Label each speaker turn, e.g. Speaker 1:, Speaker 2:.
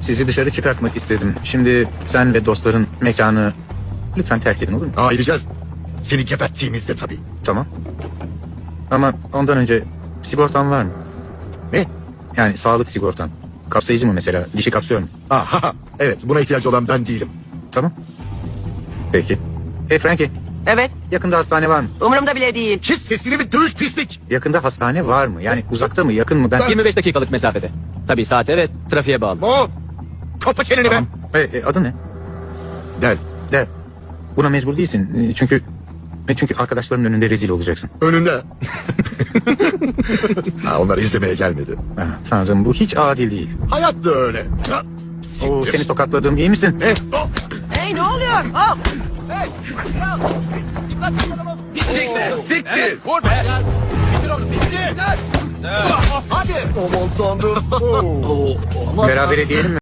Speaker 1: Sizi dışarı çıkartmak istedim. Şimdi sen ve dostların mekanı lütfen terk edin, olur mu?
Speaker 2: Ayıracağız. Seni geberttiğimizde tabii.
Speaker 1: Tamam. Ama ondan önce sigortan var mı?
Speaker 2: Ne?
Speaker 1: Yani sağlık sigortan. Kapsayıcı mı mesela? Dişi kapsıyor mu?
Speaker 2: Aha, evet, buna ihtiyacı olan ben değilim.
Speaker 1: Tamam. Peki. Hey Frankie,
Speaker 3: Evet,
Speaker 1: yakında hastane var mı?
Speaker 3: umurumda bile değil.
Speaker 2: Kes sesini bir dövüş pislik.
Speaker 1: Yakında hastane var mı? Yani uzakta mı, yakın mı? Ben...
Speaker 4: 25 dakikalık mesafede. Tabii saate ve trafiğe bağlı.
Speaker 2: Mo, kapa çeneni
Speaker 1: Tamam. Adı ne?
Speaker 2: Gel,
Speaker 1: De. Buna mecbur değilsin. Çünkü arkadaşlarının önünde rezil olacaksın.
Speaker 2: önünde. Ha, onlar izlemeye gelmedi.
Speaker 1: Ah, Tanrım, bu hiç adil değil.
Speaker 2: Hayat da öyle. Ha,
Speaker 1: Oo,
Speaker 2: siktir.
Speaker 1: seni tokatladım, iyi misin?
Speaker 2: Oh,
Speaker 3: Hey, ne oluyor? Hop!
Speaker 2: siktir, siktir.
Speaker 5: Vur be. Bitir onu, bitir. Hadi.
Speaker 1: Berabere diyelim mi?